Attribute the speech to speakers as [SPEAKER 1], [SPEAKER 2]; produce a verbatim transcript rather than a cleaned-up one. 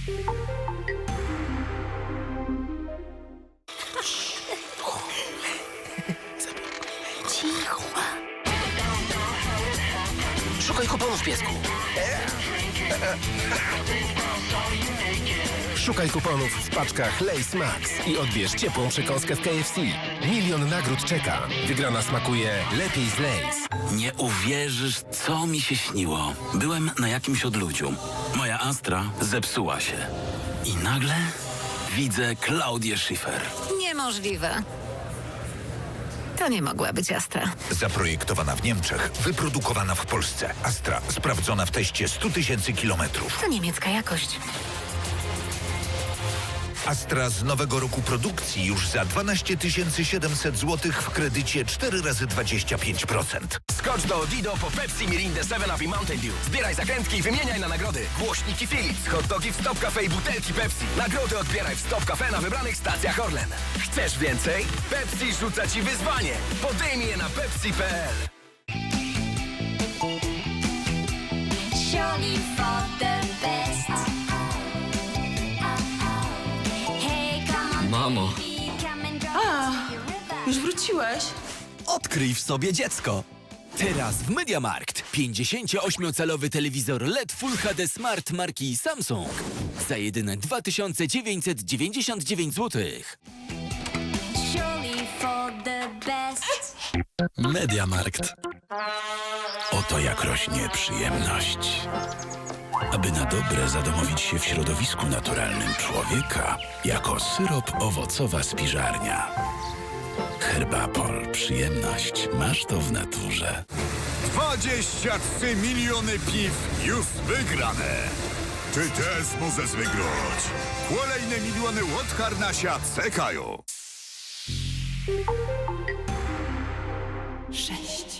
[SPEAKER 1] Cicho. Szukaj kuponów, piesku.
[SPEAKER 2] Szukaj kuponów w paczkach Lay's Max i odbierz ciepłą przekąskę w K F C. Milion nagród czeka. Wygrana smakuje lepiej z Lay's.
[SPEAKER 3] Nie uwierzysz, co mi się śniło. Byłem na jakimś odludziu. Moja Astra zepsuła się. I nagle widzę Klaudię Schiffer.
[SPEAKER 4] Niemożliwe. To nie mogła być Astra.
[SPEAKER 5] Zaprojektowana w Niemczech, wyprodukowana w Polsce. Astra sprawdzona w teście stu tysięcy kilometrów.
[SPEAKER 4] To niemiecka jakość.
[SPEAKER 5] Astra z nowego roku produkcji już za dwanaście tysięcy siedemset złotych w kredycie cztery razy dwadzieścia pięć procent.
[SPEAKER 6] Skocz do Dido po Pepsi, Mirindę, seven up i Mountain Dew. Zbieraj zakrętki i wymieniaj na nagrody. Głośniki Philips, hot dogi w Stop Cafe i butelki Pepsi. Nagrody odbieraj w Stop Cafe na wybranych stacjach Orlen. Chcesz więcej? Pepsi rzuca Ci wyzwanie. Podejmij je na pepsi kropka p l.
[SPEAKER 7] Surely for the best. Hey, come on,
[SPEAKER 1] Mamo.
[SPEAKER 7] baby, come and drop
[SPEAKER 8] A,
[SPEAKER 7] into your river.
[SPEAKER 8] już wróciłeś?
[SPEAKER 6] Odkryj w sobie dziecko. Teraz w MediaMarkt pięćdziesięcioośmiocalowy telewizor L E D Full H D Smart marki Samsung za jedyne dwa tysiące dziewięćset dziewięćdziesiąt dziewięć złotych.
[SPEAKER 7] Surely for the best.
[SPEAKER 3] MediaMarkt. Oto jak rośnie przyjemność. Aby na dobre zadomowić się w środowisku naturalnym człowieka, jako syrop owocowa spiżarnia. Herbapol. Przyjemność. Masz to w naturze.
[SPEAKER 9] dwadzieścia trzy miliony piw już wygrane. Ty też możesz wygrać. Kolejne miliony łotkar na siat czekają.
[SPEAKER 8] Sześć.